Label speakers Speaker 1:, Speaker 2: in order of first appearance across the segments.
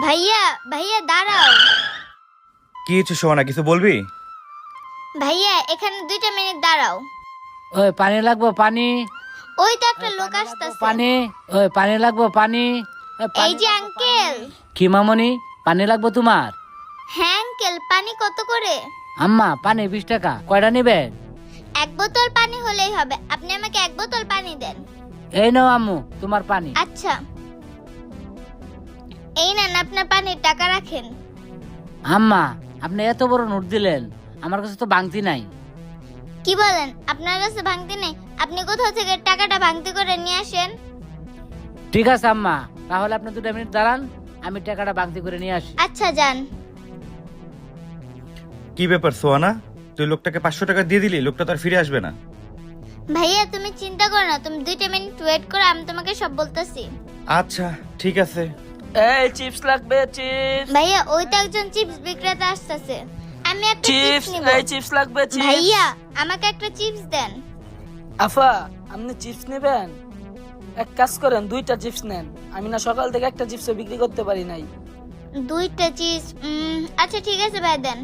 Speaker 1: ভাইয়া ভাইয়া দাঁড়াও।
Speaker 2: কি হচ্ছে সোহানা, কিছু বলবি?
Speaker 1: ভাইয়া এখানে 2 মিনিট দাঁড়াও।
Speaker 3: ওই পানি লাগবো পানি।
Speaker 1: ওই তো একটা লোক আসতেছে।
Speaker 3: পানি, ওই পানি লাগবো পানি।
Speaker 1: এই যে আঙ্কেল।
Speaker 3: কি মামনি, পানি লাগবো তোমার?
Speaker 1: হ্যাঁ আঙ্কেল, পানি কত করে?
Speaker 3: আম্মা পানি 20 টাকা। কয়টা নিবেন?
Speaker 1: 1 বোতল পানি হলেই হবে, আপনি আমাকে 1 বোতল পানি দেন।
Speaker 3: এই নাও আম্মু তোমার পানি।
Speaker 1: আচ্ছা, এই নেন আপনার পানির টাকা রাখেন।
Speaker 3: আম্মা আপনি এত বড় নোট দিলেন, আমার কাছে তো ভাঙতি নাই।
Speaker 1: কি বলেন, আপনার কাছে ভাঙতি নেই? আপনি কোথাও থেকে টাকাটা ভাঙতি করে নিয়ে আসেন।
Speaker 3: ঠিক আছে আম্মা, তাহলে আপনি 2 মিনিট দাঁড়ান, আমি টাকাটা ভাঙতি করে নিয়ে আসি।
Speaker 1: আচ্ছা যান।
Speaker 2: কি ব্যাপার সোহানা, তুই লোকটাকে 500 টাকা দিয়ে দিলি, লোকটা তার ফিরে আসবে না?
Speaker 1: ভাইয়া তুমি চিন্তা করো না, তুমি 2 মিনিট ওয়েট করো, আমি তোমাকে সব বলতেছি।
Speaker 2: আচ্ছা ঠিক আছে।
Speaker 4: এই চিপস লাগবে, চিপস
Speaker 1: ভাইয়া ওই তো একজন চিপস বিক্রেতা আসতেছে, আমি একটা চিপস
Speaker 4: চিপস
Speaker 1: নিব।
Speaker 4: এই চিপস লাগবে, চিপস।
Speaker 1: ভাইয়া আমাকে একটা চিপস দেন।
Speaker 4: আফা আপনি চিপস নেবেন? এক কাজ করেন, 2টা চিপস নেন। আমি না সকাল থেকে একটা চিপসও বিক্রি করতে পারি নাই।
Speaker 1: 2টা চিপস, আচ্ছা ঠিক আছে ভাই দেন।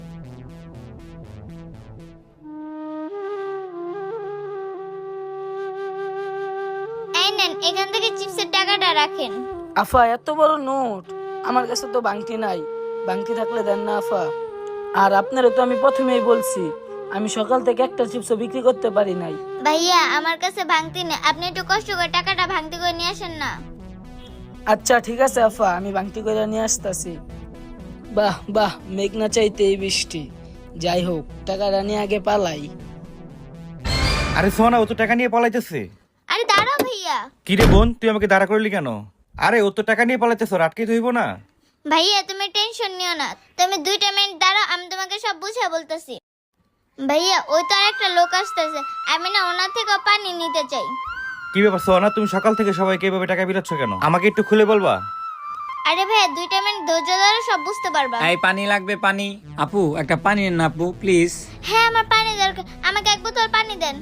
Speaker 1: এই নেন, এখান থেকে চিপসের টাকাটা রাখেন।
Speaker 4: আফা এত বড় নোট, আমার কাছে তো বাংটি নাই। বাংটি থাকলে দেন না আফা। আর আপনারা তো আমি প্রথমেই বলছি, আমি সকাল থেকে একটা চিপসও বিক্রি করতে পারি নাই।
Speaker 1: ভাইয়া আমার কাছে ভাঙতি নেই, আপনি একটু কষ্ট করে টাকাটা ভাঙতি করে নিয়ে আসেন না।
Speaker 4: আচ্ছা ঠিক আছে আফা, আমি বাংটি করে নিয়ে আসতেছি। বাহ বাহ, মেঘ না চাইতে এই বৃষ্টি। যাই হোক, টাকাটা নিয়ে আগে পালাই।
Speaker 2: আরে সোহানা, ও তো টাকা নিয়ে পালাইতেছে।
Speaker 1: আরে দাঁড়াও ভাইয়া।
Speaker 2: কি রে বোন, তুই আমাকে দাঁড়া করলি কেন? আরে ও তো টাকা নিয়ে পালাইতেছ, আটকে ধইব না?
Speaker 1: ভাইয়া তুমি টেনশন নিও না, তুমি 2 মিনিট দাঁড়াও, আমি তোমাকে সব বুঝিয়ে বলতেছি। ভাইয়া ওই তো আর একটা লোক আসতেছে, আমি না ওনার থেকে পানি নিতে চাই।
Speaker 2: কি ব্যাপার সোহানা, তুমি সকাল থেকে সবাইকে এভাবে টাকা বিলাচ্ছ কেন? আমাকে একটু খুলে বলবা?
Speaker 1: আরে ভাইয়া 2 মিনিট ধৈর্য ধরে সব বুঝতে পারবা।
Speaker 5: এই পানি লাগবে পানি। আপু একটা পানি নেন না আপু প্লিজ।
Speaker 1: হ্যাঁ আমার পানি দরকার, আমাকে 1 বোতল পানি দেন।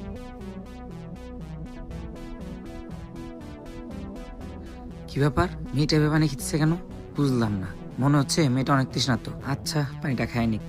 Speaker 5: কি ব্যাপার, মেয়েটা এভাবে পানি খেতেছে কেন বুঝলাম না। মনে হচ্ছে মেয়েটা অনেক তৃষ্ণার্ত। আচ্ছা পানিটা খায় নিক।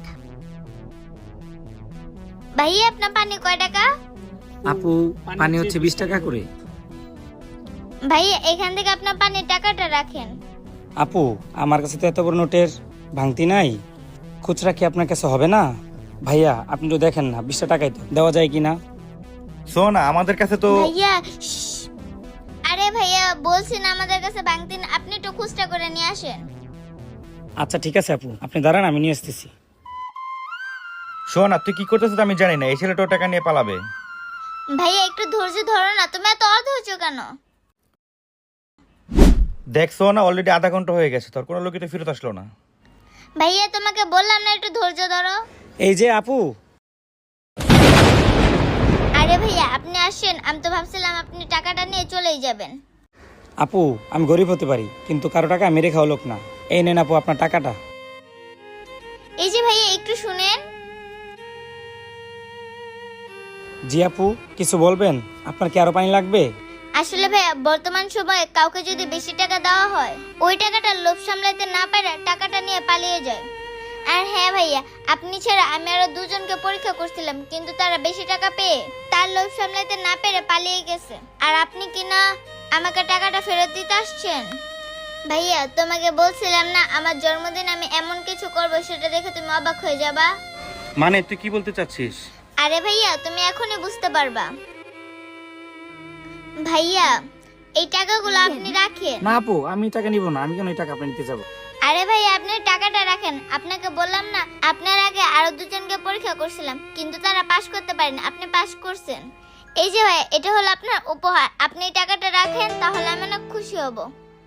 Speaker 1: ভাইয়া আপনার পানি কয় টাকা?
Speaker 5: আপু পানি হচ্ছে 20 টাকা করে।
Speaker 1: ভাইয়া এখান থেকে আপনার পানির টাকাটা রাখেন।
Speaker 6: আপু আমার কাছে তো এত বড় নোটের ভাঙতি নাই, খুচরা কি আপনার কাছে হবে না? ভাইয়া আপনি তো দেখেন না, 20 টাকাই তো দেওয়া যায় কিনা?
Speaker 2: সোহানা আমাদের কাছে তো
Speaker 1: ভাইয়া শ্শ্। আরে ভাইয়া বলছি না আমাদের কাছে ভাঙতি না, আপনি একটু খুচরা করে নিয়ে আসেন।
Speaker 6: আচ্ছা ঠিক আছে আপু, আপনি দাঁড়ান, আমি নিয়ে আসতেছি।
Speaker 2: সোহানা তুই কি করতেছিস আমি জানি না, এই ছেলেটা টাকা নিয়ে পালাবে।
Speaker 1: ভাইয়া একটু ধৈর্য ধরো না, তুমি এত অধৈর্য কেন?
Speaker 2: দেখ সোহানা, অলরেডি আধা ঘন্টা হয়ে গেছে, তোর কোনো লোকই তো ফেরত আসলো না।
Speaker 1: ভাইয়া তোমাকে বললাম না একটু ধৈর্য ধরো।
Speaker 6: এই যে আপু।
Speaker 1: আরে ভাইয়া আপনি আসেন, আমি তো ভাবছিলাম আপনি টাকাটা নিয়ে চলেই যাবেন।
Speaker 6: আপু আমি গরিব হতে পারি, কিন্তু কারো টাকা মেরে খাওয়া লোক না। এই নেন আপু আপনার টাকাটা।
Speaker 1: এই যে ভাইয়া একটু শুনেন।
Speaker 6: জি আপু কিছু বলবেন? আপনার কি আরো পানি লাগবে?
Speaker 1: আসলে ভাইয়া বর্তমান সময়ে কাউকে যদি বেশি টাকা দেওয়া হয়, ওই টাকাটা লোভ সামলাতে না পারে টাকাটা নিয়ে পালিয়ে যায়। আর হ্যাঁ ভাইয়া, আপনি ছাড়া আমি আরো 2 জনকে পরীক্ষা করছিলাম, কিন্তু তারা বেশি টাকা পেয়ে তার লোভ সামলাতে না পেরে পালিয়ে গেছে। আর আপনি কি না আমাকে টাকাটা ফেরত দিতে আসছেন? ভাইয়া তোমাকে বলছিলাম না আমার জন্মদিন আমি এমন কিছু করব, সেটা দেখে তুমি অবাক হয়ে যাবা।
Speaker 2: মানে তুই কি বলতে চাচ্ছিস?
Speaker 1: আরে ভাইয়া তুমি এখনই বুঝতে পারবা। ভাইয়া এই টাকাগুলো আপনি রাখেন।
Speaker 6: না আপু আমি টাকা নিব না, আমি কেন এই টাকা আপনি নিতে যাবো?
Speaker 1: আরে ভাইয়া আপনি টাকাটা রাখেন, আপনাকে বললাম না আপনার আগে আরো 2 জনকে পরীক্ষা করছিলাম, কিন্তু তারা পাশ করতে পারেনি, আপনি পাশ করছেন। এই যে ভাইয়া এটা হলো আপনার উপহার, আপনি এই টাকাটা রাখেন, তাহলে আমি অনেক খুশি হব।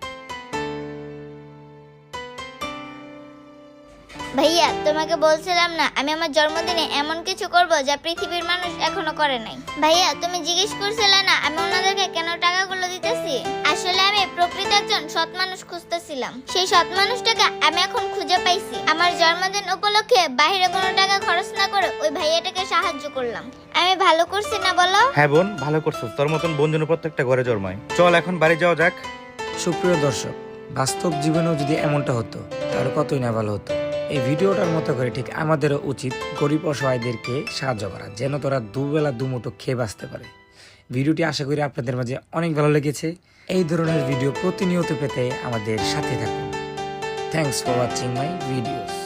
Speaker 1: ভাইয়া তোমাকে বলছিলাম না আমি আমার জন্মদিনে এমন কিছু করব যা পৃথিবীর মানুষ এখনো করে নাই। ভাইয়া তুমি জিজ্ঞেস করছিলে না আমি ওনাদেরকে কেন টাকাগুলো দিতেছি? আসলে আমি প্রকৃত একজন সৎ মানুষ খুঁজতেছিলাম, সেই সৎ মানুষটাকে আমি এখন খুঁজে পাইছি। আমার জন্মদিন উপলক্ষে বাইরে কোনো টাকা খরচ না করে ওই ভাইয়াটাকে সাহায্য করলাম। আমি ভালো করছি না বলো?
Speaker 2: হ্যাঁ বোন, ভালো করছিস, তোর মতন বোন যেন প্রত্যেকটা ঘরে জন্মায়। চল এখন বাড়ি যাওয়া যাক।
Speaker 5: সুপ্রিয় দর্শক, বাস্তব জীবনেও যদি এমনটা হতো তাহলে কতই না ভালো হতো। এই ভিডিওটার মতো করে ঠিক আমাদেরও উচিত গরিব অসহায়দেরকে সাহায্য করা, যেন তারা দুবেলা দুমুঠো খেয়ে বাঁচতে পারে। ভিডিওটি আশা করি আপনাদের মাঝে অনেক ভালো লেগেছে। এই ধরনের ভিডিও প্রতিনিয়ত পেতে আমাদের সাথে থাকুন। Thanks for watching my videos.